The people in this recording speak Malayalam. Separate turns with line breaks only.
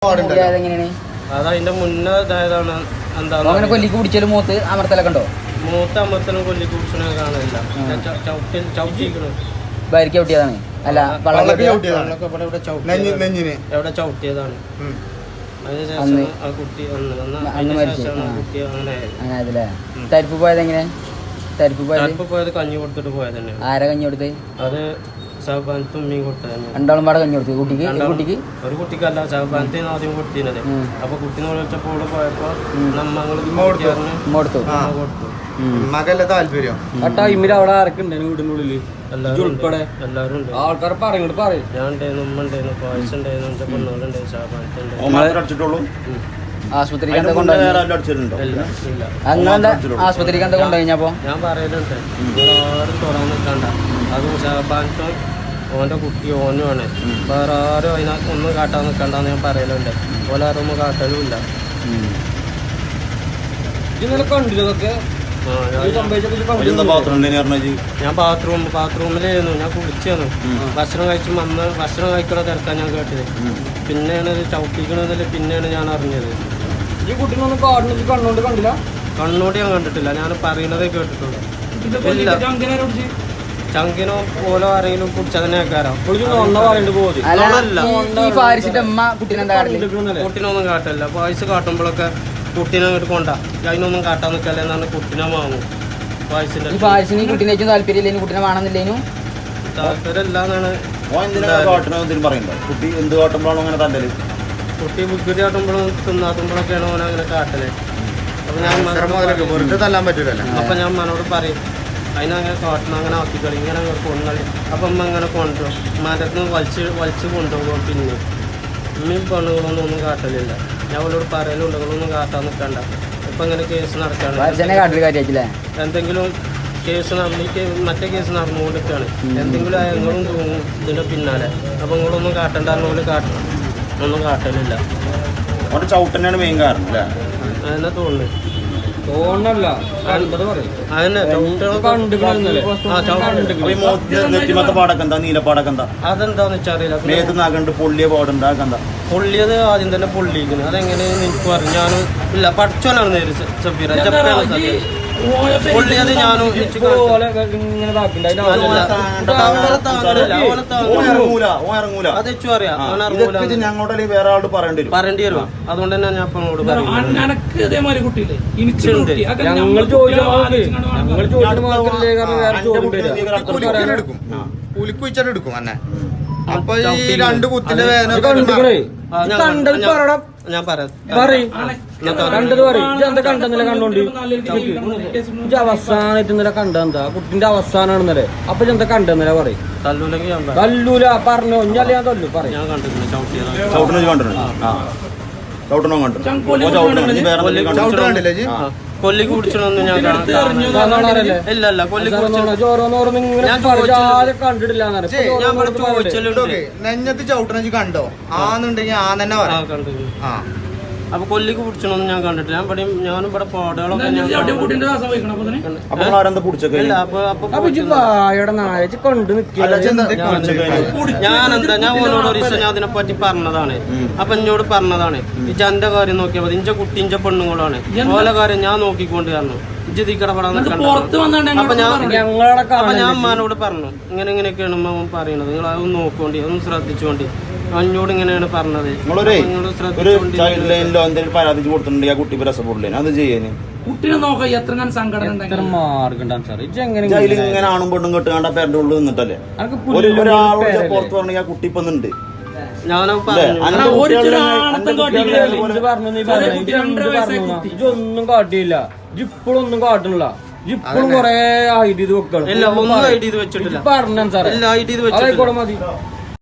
അതതിന്റെ മുന്നേ ഇതായതാണ്. എന്താ
അങ്ങനെ കൊല്ലിക്ക് പിടിച്ചാലും മൂത്ത് അമർത്തലൊക്കെ ഉണ്ടോ?
മൂത്ത അമർത്തലും കൊല്ലിക്ക് പിടിച്ചനെ കാണില്ല. ചവിട്ടിയിരിക്കണം.
ഭാര്യക്ക് ചവിട്ടിയതാണ്. അല്ല
എവിടെ ചവിട്ടിയതാണ്. അതിനുശേഷം ആ കുട്ടി
അങ്ങനെ തരിപ്പ് പോയത് എങ്ങനെ? തരിപ്പ്
പോയത് കഞ്ഞി കൊടുത്തിട്ട് പോയത് തന്നെ.
ആരാ കഞ്ഞി കൊടുത്ത്?
അത് ഷഹബാനത്ത് ഉമ്മയും കൊടുത്തത്.
രണ്ടാളും പാടെ കഞ്ഞി കൊടുത്തു കുട്ടിക്ക്?
ഒരു കുട്ടിക്കല്ല, ഷഹബാനത്തിന് ആദ്യം കൊടുത്തിരുന്നത്. അപ്പൊ കുട്ടീനെ വിളിച്ചപ്പോൾ പോയപ്പോ കൊടുത്തു.
മകല്ല താല്പര്യം
ആ ടൈമിൽ അവിടെ ആരൊക്കെ വീടിന്റെ ഉള്ളില് ഉൾപ്പെടെ
എല്ലാവരും ഉണ്ട്.
ആൾക്കാർ പറയും പറയും.
ഞാൻ ഉണ്ടായിരുന്നു, ഉമ്മ ഉണ്ടായിരുന്നു, പായസം ഉണ്ടായിരുന്നു, എന്റെ പെണ്ണുകളുണ്ടായിരുന്നു, ഷഹബാനത്തുണ്ട്.
ആശുപത്രിക്ക് എന്താ കൊണ്ടുപോയി? ആശുപത്രിക്ക് എന്താ കൊണ്ടുപോയിപ്പോ?
ഞാൻ പറയലുണ്ട്, ആരും തുറന്നു നിൽക്കണ്ട. അത് ഷഹബാനത്തും ഓന്റെ കുട്ടി ഓനുമാണ്. വേറെ ആരും അതിനകത്ത് ഒന്നും കാട്ടാൻ നിൽക്കണ്ടെന്ന് ഞാൻ പറയലുണ്ട്. ഓലെ ആരും ഒന്നും കാട്ടലുമില്ല.
ഇന്നലെ കണ്ടില്ലതൊക്കെ
ഞാൻ ബാത്റൂമിലായിരുന്നു. ഞാൻ കുളിച്ചായിരുന്നു. ഭക്ഷണം കഴിച്ചു വന്ന് ഭക്ഷണം കഴിക്കണ തിരക്കാൻ ഞാൻ കേട്ടത്. പിന്നെയാണ് ഇത് ചവിട്ടിക്കണതിൽ പിന്നെയാണ് ഞാൻ അറിഞ്ഞത്.
ഈ കുട്ടീനൊന്നും കാടിന് കണ്ണോണ്ട് കണ്ടില്ല?
കണ്ണോട് ഞാൻ കണ്ടിട്ടില്ല, ഞാൻ പറയുന്നതേ കേട്ടിട്ടുള്ളൂ. ഇല്ല, ചങ്കിനോ പോലോ ആരെങ്കിലും കുടിച്ചതിനെ കേൾക്കാരോ? കുട്ടീനൊന്നും കാട്ടില്ല. പായസ് കാട്ടുമ്പോഴൊക്കെ കുട്ടീനെ അങ്ങോട്ട് കൊണ്ടാ അതിനൊന്നും കാട്ടാൻ നിൽക്കല്ല എന്നാണ് കുട്ടീനെ വാങ്ങും.
പായസിന് കുട്ടീനെ താല്പര്യം കുട്ടീനെ വേണമെന്നില്ലേനു?
താല്പര്യമില്ലാന്നാണ്. കുട്ടി വികൃതി കാട്ടുമ്പോഴും തിന്നാത്തുമ്പോഴൊക്കെയാണ് ഓന അങ്ങനെ കാട്ടല്. അപ്പൊ ഞാൻ മനോട് പറയും അതിനങ്ങനെ കാട്ടണം, അങ്ങനെ ആക്കിക്കളി, ഇങ്ങനെ കൊണ്ടുകളി. അപ്പം അമ്മ ഇങ്ങനെ കൊണ്ടുപോകും. മരത്തിന് വലിച്ച് കൊണ്ടുപോകും. പിന്നെ ഉമ്മയും പെണ്ണുകളൊന്നും കാട്ടലില്ല. ഞാൻ അവളോട് പറയലുണ്ട്, നിങ്ങളൊന്നും കാട്ടാൻ നിൽക്കണ്ട. ഇപ്പം ഇങ്ങനെ കേസ് നടക്കാണ്. എന്തെങ്കിലും കേസ് മറ്റേ കേസ് നടന്നുകൊണ്ടിരിക്കുകയാണ്. എന്തെങ്കിലും ഞങ്ങളും തൂങ്ങും ഇതിൻ്റെ പിന്നാലെ. അപ്പം നിങ്ങളൊന്നും കാട്ടണ്ട പോലെ കാട്ടണം. ഒന്നും കാട്ടലില്ല.
ചവിട്ടനാണ് മെയിൻ കാരണം
അതെന്നെ തോന്നുന്നു.
തോന്നല്ല
അതെന്താന്ന് വെച്ചറിയില്ല.
പൊള്ളിയത്
ആദ്യം തന്നെ പൊള്ളിയിരിക്കുന്നത്. അതെങ്ങനെയെന്ന് എനിക്ക് പറഞ്ഞു. ഞാനും ഇല്ല പഠിച്ചോനാണ് നേര് സഫീറ പൊള്ളിയത്. ഞാനും
ഞങ്ങളോട് വേറെ ആളോട്
പറയേണ്ടി വരും. അതുകൊണ്ട് തന്നെ ഞാൻ അപ്പനോട് പറയും.
പുലിക്കുഴിച്ചെടുക്കും അന്നെ. അപ്പൊ ഈ രണ്ട് കുത്തിന്റെ വേദന
ഞാൻ പറയാം.
അവസാനായിട്ട് ഇന്നലെ കണ്ടെന്താ കുട്ടിന്റെ അവസാനാണെന്നല്ലേ? അപ്പൊ എന്താ കണ്ടെന്നല്ലേ പറയും? തല്ലൂല പറഞ്ഞോ ഇഞ്ഞല്ലേ ഞാൻ തല്ലു പറയും.
ഞാൻ കണ്ടിട്ടുണ്ട്. കൊല്ലിക്ക് കുടിച്ചൊന്നും ഞാൻ ഇല്ലല്ല.
കണ്ടിട്ടില്ല.
നെഞ്ഞത്ത് ചവിട്ടണ കണ്ടോ? ആന്നുണ്ടെങ്കിൽ ആ തന്നെ പറയാം.
അപ്പൊ കൊല്ലിക്ക് പിടിച്ചൊന്നും ഞാൻ കണ്ടിട്ടില്ല. ഞാനും ഇവിടെ പാടുകളൊക്കെ ഞാൻ ഓനോട് ഒരു ദിവസം ഞാൻ അതിനെപ്പറ്റി പറഞ്ഞതാണ്. അപ്പൊ എന്നോട് പറഞ്ഞതാണ്, ഈ ജന്റെ കാര്യം നോക്കിയാൽ മതി, ഇഞ്ച കുട്ടി ഇഞ്ച പെണ്ണുങ്ങളാണ്, ഓല കാര്യം ഞാൻ നോക്കിക്കൊണ്ട് കാരണം ഇജ്ജിക്കടപെടാൻ. അപ്പൊ ഞാൻ അമ്മാനോട് പറഞ്ഞു, ഇങ്ങനെയൊക്കെയാണ് അമ്മ പറയുന്നത്, നിങ്ങൾ അതൊന്ന് നോക്കോണ്ടി, അതൊന്ന് ശ്രദ്ധിച്ചോണ്ടി. എന്നോട് ഇങ്ങനെയാണ് പറഞ്ഞത്.
പരാതി കൊടുത്തിട്ടുണ്ടെങ്കിൽ ആ കുട്ടി രസപ്പെടില്ലേ? അത് ചെയ്യാന്
കുട്ടിനെ നോക്കാം. എത്ര
ഇങ്ങനെ ആണും പെണ്ണും കെട്ടുകാണ്ട പേരുടെ ഉള്ളിൽ നിന്നിട്ടല്ലേ ഒരാളോട് പുറത്ത് പറഞ്ഞ ആ കുട്ടി ഇപ്പൊ ഉണ്ട്.
ഇതൊന്നും കാട്ടിയില്ല, ഇപ്പോഴൊന്നും കാട്ടണില്ല. ഇപ്പോഴും കൊറേ ഐഡി ഇത് വെക്കണം.
ഒന്നും ഐഡി ഇത് വെച്ചിട്ടില്ല.
പറഞ്ഞു സാറേ, ആയിക്കോട്ടെ മതി.